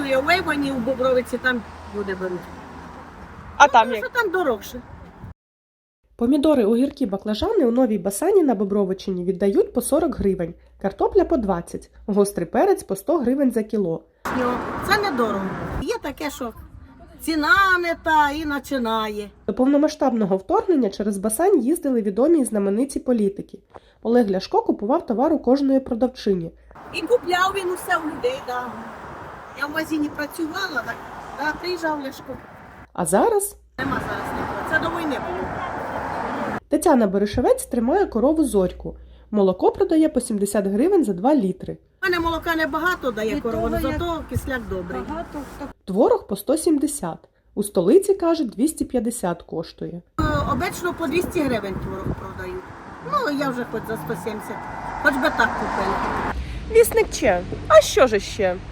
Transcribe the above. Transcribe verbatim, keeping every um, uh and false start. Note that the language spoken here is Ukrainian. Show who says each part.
Speaker 1: коштує у Вейвані, у Бобровиці, там люди беруть.
Speaker 2: А там
Speaker 1: Тому
Speaker 2: як?
Speaker 1: що там дорогше.
Speaker 3: Помідори, огірки, баклажани у Новій Басані на Бобровичині віддають по сорок гривень, картопля по двадцять, гострий перець по сто гривень за кіло.
Speaker 1: Йо, Це недорого. Є таке, що ціна не та і починає.
Speaker 3: До повномасштабного вторгнення через Басань їздили відомі і знамениті політики. Олег Ляшко купував товар у кожної продавчині.
Speaker 1: І купляв він усе у людей, да. Я в магазині працювала, так, да, приїжджав Ляшко.
Speaker 3: А зараз
Speaker 1: Нема зараз нікого. Це до війни було.
Speaker 3: Тетяна Берешевець тримає корову Зорьку. Молоко продає по сімдесят гривень за два літри.
Speaker 1: У мене молока небагато дає
Speaker 4: Від
Speaker 1: корова,
Speaker 4: того, як-
Speaker 1: зато кисляк добрий.
Speaker 4: Багато хто
Speaker 3: Творог по сто сімдесят. У столиці, кажуть, двісті п'ятдесят коштує.
Speaker 1: Е, Обично по двісті гривень творог продають. Ну, я вже хоч за сто сімдесят. Хоч би так купила.
Speaker 2: Вісник Че. А що ж ще?